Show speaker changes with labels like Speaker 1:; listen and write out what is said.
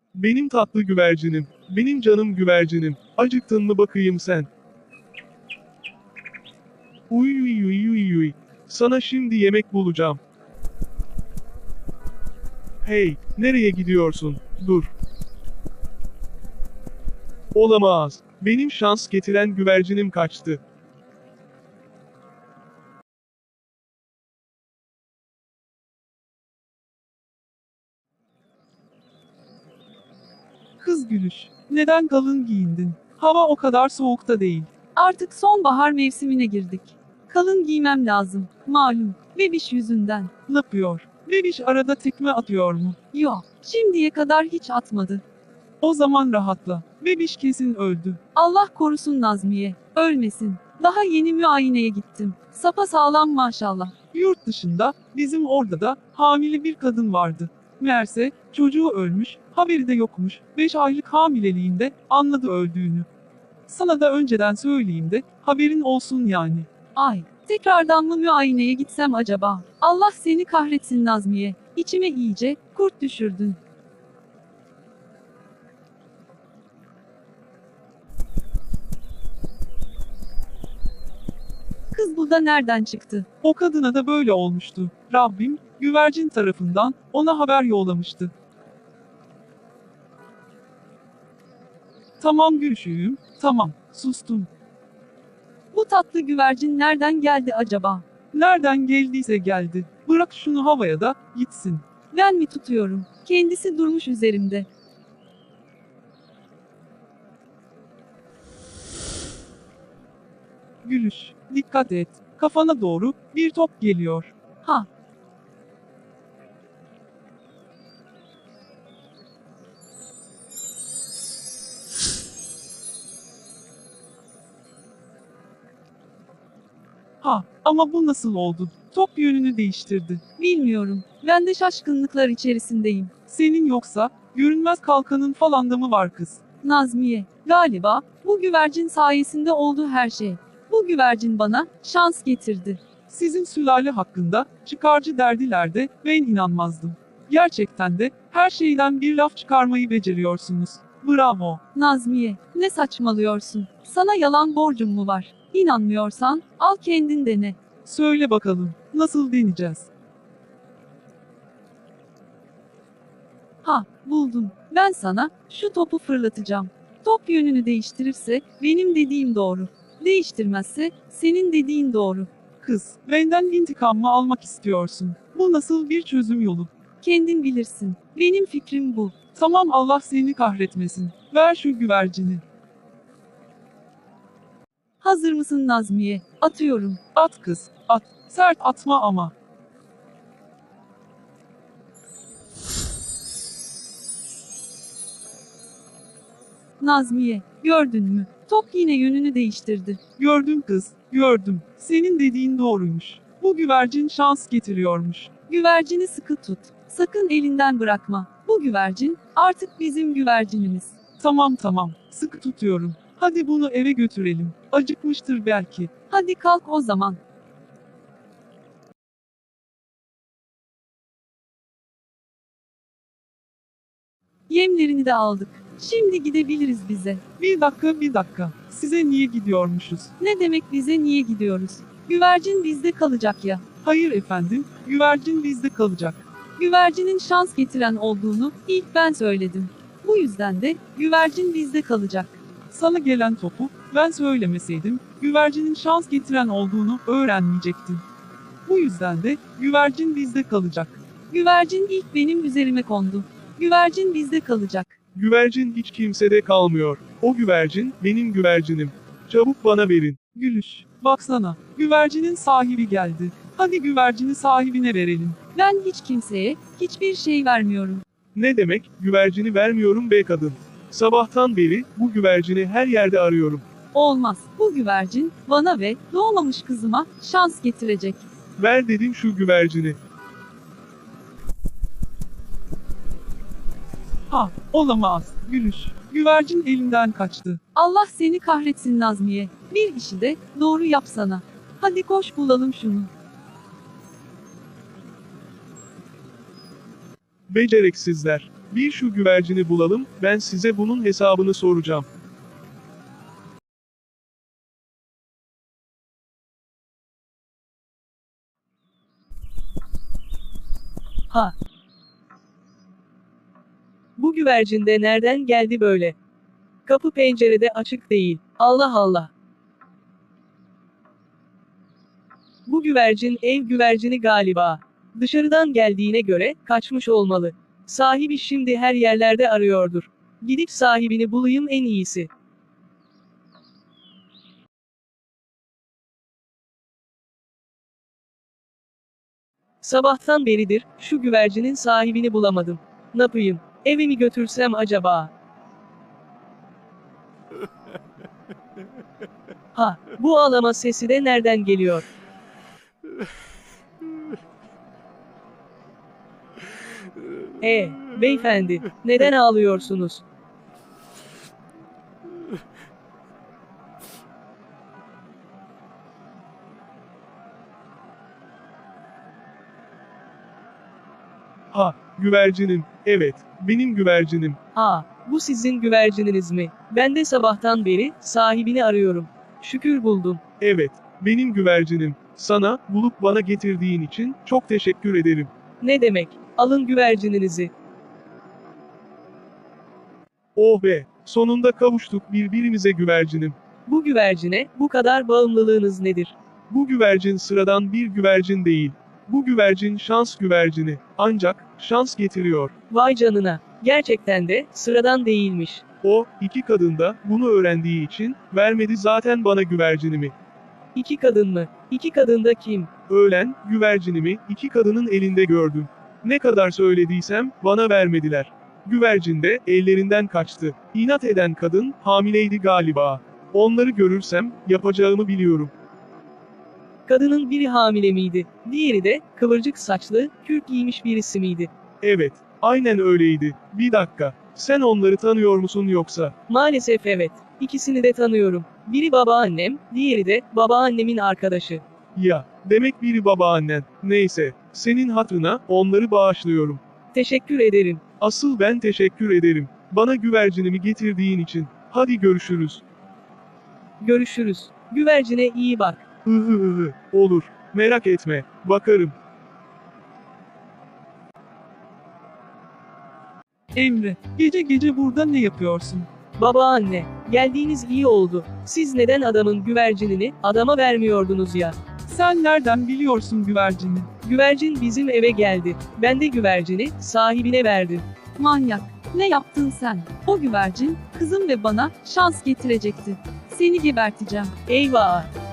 Speaker 1: Benim tatlı güvercinim, benim canım güvercinim, acıktın mı bakayım sen? Uy uy uy uy uy. Sana şimdi yemek bulacağım. Hey, nereye gidiyorsun? Dur. Olamaz. Benim şans getiren güvercinim kaçtı.
Speaker 2: Kız Gülüş, neden kalın giyindin? Hava o kadar soğukta değil. Artık sonbahar mevsimine girdik. Kalın giymem lazım, malum. Bebiş yüzünden. Ne yapıyor? Bebiş arada tekme atıyor mu? Yok, şimdiye kadar hiç atmadı. O zaman rahatla. Bebiş kesin öldü. Allah korusun Nazmiye. Ölmesin. Daha yeni muayeneye gittim. Sapa sağlam maşallah. Yurt dışında, bizim orada da hamile bir kadın vardı. Meğerse çocuğu ölmüş, haberi de yokmuş. 5 aylık hamileliğinde anladı öldüğünü. Sana da önceden söyleyeyim de haberin olsun yani. Ay, tekrardan mı muayeneye gitsem acaba? Allah seni kahretsin Nazmiye. İçime iyice kurt düşürdün. Kız bu da nereden çıktı? O kadına da böyle olmuştu. Rabbim, güvercin tarafından ona haber yollamıştı. Tamam Gülşüğüm, tamam, sustum. Bu tatlı güvercin nereden geldi acaba? Nereden geldiyse geldi. Bırak şunu havaya da gitsin. Ben mi tutuyorum? Kendisi durmuş üzerimde. Gülüş, dikkat et. Kafana doğru bir top geliyor. Ha. Ha, ama bu nasıl oldu? Top yönünü değiştirdi. Bilmiyorum. Ben de şaşkınlıklar içerisindeyim. Senin yoksa, görünmez kalkanın falan da mı var kız? Nazmiye, galiba, bu güvercin sayesinde oldu her şey. Bu güvercin bana, şans getirdi. Sizin sülale hakkında, çıkarcı derdiler de, ben inanmazdım. Gerçekten de, her şeyden bir laf çıkarmayı beceriyorsunuz. Bravo. Nazmiye, ne saçmalıyorsun? Sana yalan borcum mu var? İnanmıyorsan, al kendin dene. Söyle bakalım, nasıl deneyeceğiz? Ha, buldum. Ben sana, şu topu fırlatacağım. Top yönünü değiştirirse, benim dediğim doğru. Değiştirmezse, senin dediğin doğru. Kız, benden intikam mı almak istiyorsun? Bu nasıl bir çözüm yolu? Kendin bilirsin. Benim fikrim bu. Tamam Allah seni kahretmesin. Ver şu güvercini. Hazır mısın Nazmiye? Atıyorum. At kız, at. Sert atma ama. Nazmiye, gördün mü? Top yine yönünü değiştirdi. Gördüm kız, gördüm. Senin dediğin doğruymuş. Bu güvercin şans getiriyormuş. Güvercini sıkı tut. Sakın elinden bırakma. Bu güvercin, artık bizim güvercinimiz. Tamam tamam, sıkı tutuyorum. Hadi bunu eve götürelim. Acıkmıştır belki. Hadi kalk o zaman. Yemlerini de aldık. Şimdi gidebiliriz bize. Bir dakika bir dakika. Size niye gidiyormuşuz? Ne demek bize niye gidiyoruz? Güvercin bizde kalacak ya. Hayır efendim, güvercin bizde kalacak. Güvercinin şans getiren olduğunu ilk ben söyledim. Bu yüzden de güvercin bizde kalacak. Sana gelen topu ben söylemeseydim güvercinin şans getiren olduğunu öğrenmeyecektin. Bu yüzden de güvercin bizde kalacak. Güvercin ilk benim üzerime kondu. Güvercin bizde kalacak.
Speaker 1: Güvercin hiç kimsede kalmıyor. O güvercin, benim güvercinim. Çabuk bana verin.
Speaker 2: Gülüş, baksana, güvercinin sahibi geldi. Hadi güvercini sahibine verelim. Ben hiç kimseye, hiçbir şey vermiyorum.
Speaker 1: Ne demek, güvercini vermiyorum be kadın. Sabahtan beri, bu güvercini her yerde arıyorum.
Speaker 2: Olmaz. Bu güvercin, bana ve doğmamış kızıma, şans getirecek.
Speaker 1: Ver dedim şu güvercini.
Speaker 2: Ha, olamaz. Gülüş, güvercin elimden kaçtı. Allah seni kahretsin Nazmiye. Bir işi de, doğru yapsana. Hadi koş bulalım şunu.
Speaker 1: Beceriksizler. Bir şu güvercini bulalım, ben size bunun hesabını soracağım.
Speaker 2: Ha. Bu güvercin de nereden geldi böyle? Kapı pencerede açık değil. Allah Allah. Bu güvercin ev güvercini galiba. Dışarıdan geldiğine göre kaçmış olmalı. Sahibi şimdi her yerlerde arıyordur. Gidip sahibini bulayım en iyisi. Sabahtan beridir şu güvercinin sahibini bulamadım. Ne yapayım? Eve mi götürsem acaba? Ha, bu ağlama sesi de nereden geliyor? Beyefendi, neden ağlıyorsunuz?
Speaker 1: Ha, güvercinim, evet, benim güvercinim.
Speaker 2: Bu sizin güvercininiz mi? Ben de sabahtan beri sahibini arıyorum. Şükür buldum.
Speaker 1: Evet, benim güvercinim. Sana, bulup bana getirdiğin için çok teşekkür ederim.
Speaker 2: Ne demek? Alın güvercininizi.
Speaker 1: Oh be, sonunda kavuştuk birbirimize güvercinim.
Speaker 2: Bu güvercine bu kadar bağımlılığınız nedir?
Speaker 1: Bu güvercin sıradan bir güvercin değil. Bu güvercin şans güvercini. Ancak, şans getiriyor.
Speaker 2: Vay canına. Gerçekten de sıradan değilmiş.
Speaker 1: O, iki kadın da, bunu öğrendiği için, vermedi zaten bana güvercinimi.
Speaker 2: İki kadın mı? İki kadın da kim?
Speaker 1: Öğlen, güvercinimi, iki kadının elinde gördüm. Ne kadar söylediysem, bana vermediler. Güvercin de, ellerinden kaçtı. İnat eden kadın, hamileydi galiba. Onları görürsem, yapacağımı biliyorum.
Speaker 2: Kadının biri hamile miydi? Diğeri de, kıvırcık saçlı, kürk giymiş birisi miydi?
Speaker 1: Evet, aynen öyleydi. Bir dakika, sen onları tanıyor musun yoksa?
Speaker 2: Maalesef evet. İkisini de tanıyorum. Biri babaannem, diğeri de babaannemin arkadaşı.
Speaker 1: Ya, demek biri babaannen. Neyse, senin hatırına, onları bağışlıyorum.
Speaker 2: Teşekkür ederim.
Speaker 1: Asıl ben teşekkür ederim. Bana güvercinimi getirdiğin için. Hadi görüşürüz.
Speaker 2: Görüşürüz. Güvercine iyi bak.
Speaker 1: Olur. Merak etme. Bakarım.
Speaker 2: Emre, gece gece burada ne yapıyorsun? Babaanne, geldiğiniz iyi oldu. Siz neden adamın güvercinini adama vermiyordunuz ya? Sen nereden biliyorsun güvercini? Güvercin bizim eve geldi. Ben de güvercini sahibine verdim.
Speaker 3: Manyak. Ne yaptın sen? O güvercin, kızım ve bana şans getirecekti. Seni geberteceğim.
Speaker 2: Eyvah!